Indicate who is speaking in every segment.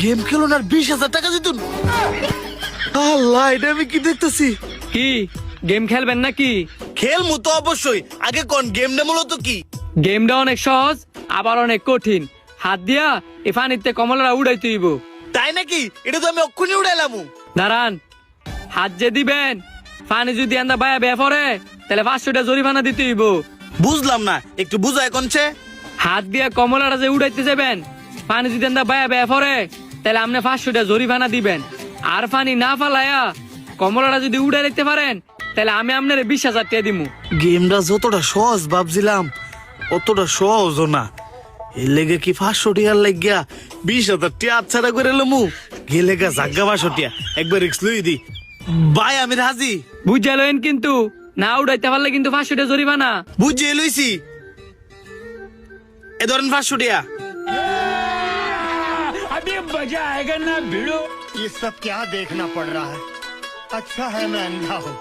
Speaker 1: Game খেলুন আর 20,000 টাকা দিতুন। আল্লাহ, এটা আমি কি দেখতেছি?
Speaker 2: কি গেম খেলবেন নাকি?
Speaker 1: খেলমু তো অবশ্যই, আগে কোন গেমটা মূলত কি?
Speaker 2: গেমটা অনেক সহজ আবার অনেক কঠিন। হাত দিয়া এ পানিতে কমলারা উড়াইতে হইব।
Speaker 1: তাই নাকি? এটা তো আমি অক্ষুনি উড়াইলাম।
Speaker 2: দাঁড়ান, হাত যে দিবেন পানি যদি আন্দা বায়া বেয়া পড়ে তাহলে 500 টাকা জরিমানা দিতে হইব।
Speaker 1: বুঝলাম না, একটু বুঝায় কোনছে।
Speaker 2: হাত দিয়া কমলারা যে উড়াইতে যাবেন, পানি যদি আন্দা বায়া বেয়া পড়ে তাহলে আপনি 500 টাকা জরিমানা দিবেন। আর পানি না ফালায়া কমলারা যদি উড়াই দিতে পারেন তাহলে আমি আপনার 20,000 টাকা দিমু।
Speaker 1: গেমটা যতটা সহজ ভাবছিলাম অতটা সহজও না। এর লেগে কি 500 টিয়ার লাগিয়া 20,000 টিয়া আচ্ছাড়া করে লমু। গেলে গা জাগা 500 টিয়া একবার রিক্স লই দি। ভাই আমি রাজি।
Speaker 2: বুঝা লইন, কিন্তু না উড়াইতে পারলে কিন্তু 500 টাকা জরিমানা।
Speaker 1: বুঝিয়ে লইছি। এ ধরেন 500 টিয়া।
Speaker 3: अभी मजा आएगा ना भिड़ो।
Speaker 4: ये सब क्या देखना पड़ रहा है? अच्छा है मैं अंधा हूँ।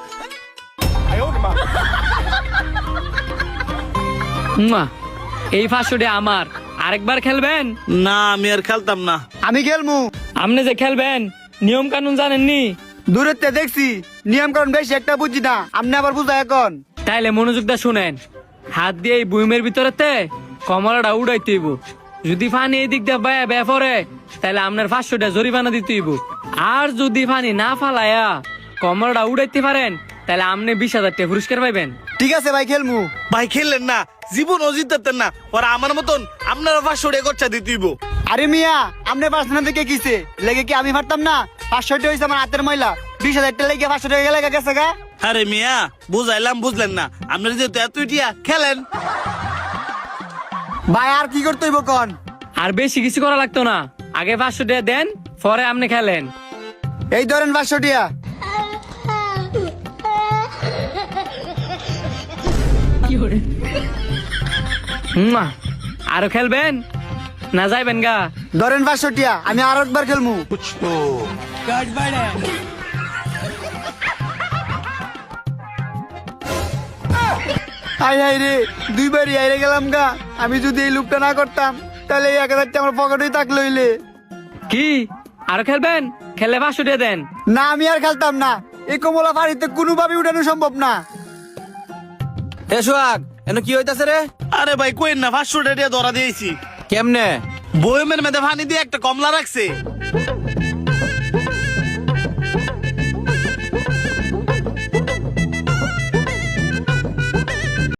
Speaker 2: মুয়া, এই 500 টাকা আমার। আরেকবার খেলবেন?
Speaker 1: না, আমি আর খেলতাম না।
Speaker 5: আমি খেলমু।
Speaker 2: আপনি যে খেলবেন নিয়ম কানুন জানেননি?
Speaker 5: দূরের তে দেখছি, নিয়ম কারণ বেশি একটা বুঝি না, আপনি আবার বুঝা এখন।
Speaker 2: তাইলে মনোযোগ দা শুনেন। হাত দিয়ে এই বুইমের ভিতরেতে কমলাটা উড়াইতে হইব। যদি পানি এই দিক দিয়ে বায়া বেয়া পড়ে তাহলে আপনার 500 টাকা জরিমানা দিতে হইব। আর যদি পানি না ফালায়া কমলাটা উড়াইতে পারেন তাহলে আপনি 20,000 টাকা পুরস্কার পাইবেন।
Speaker 5: ঠিক আছে ভাই, খেলমু।
Speaker 1: ভাই খেললেন না, জীবন অজিতেন না। ওরা আমার মতন আপনারা 500 টাকা খরচা দিতে হইব।
Speaker 5: আরে মিয়া, আপনি পার্সোনাল দিকে কিসে লেগে কি আমি পারতাম না? 500 টাকা হয়েছে আমার হাতের ময়লা, 20,000 টাকা লেগে 500 টাকা গেলে গেছে গা।
Speaker 1: আরে মিয়া, বুঝাইলাম বুঝলেন না। আপনারা যেহেতু এত টিয়া খেলেন।
Speaker 5: ভাই আর কি করতে হইব কোন?
Speaker 2: আর বেশি কিছু করা লাগতো না, আগে 500 টাকা দেন পরে আপনি খেলেন।
Speaker 5: এই ধরেন 500 টাকা।
Speaker 2: মুয়া, আরো খেলবেন না যাইবেন গা?
Speaker 5: ধরেন 500 টাকা, আমি আর একবার খেলমু। হাই হাই রে, দুইবারই হাইরে গেলাম গা। আমি যদি এই লুপটা না করতাম তাহলে এই 1,000 টাকা আমার পকেটেই থাকলো হইলে।
Speaker 2: কি আরো খেলবেন? খেলে 500 টাকা দেন।
Speaker 5: না, আমি আর খেলতাম না। এই কমলা ফাড়িতে কোনোভাবে উঠানো সম্ভব না।
Speaker 6: এ সোহাগ, এনে কি হইতাছে রে?
Speaker 1: আরে ভাই কইন না, 500 টাকা ধরা দিয়েছি।
Speaker 6: কেমনে?
Speaker 1: বয়মের মেধে পানি দিয়ে একটা কমলা রাখছে।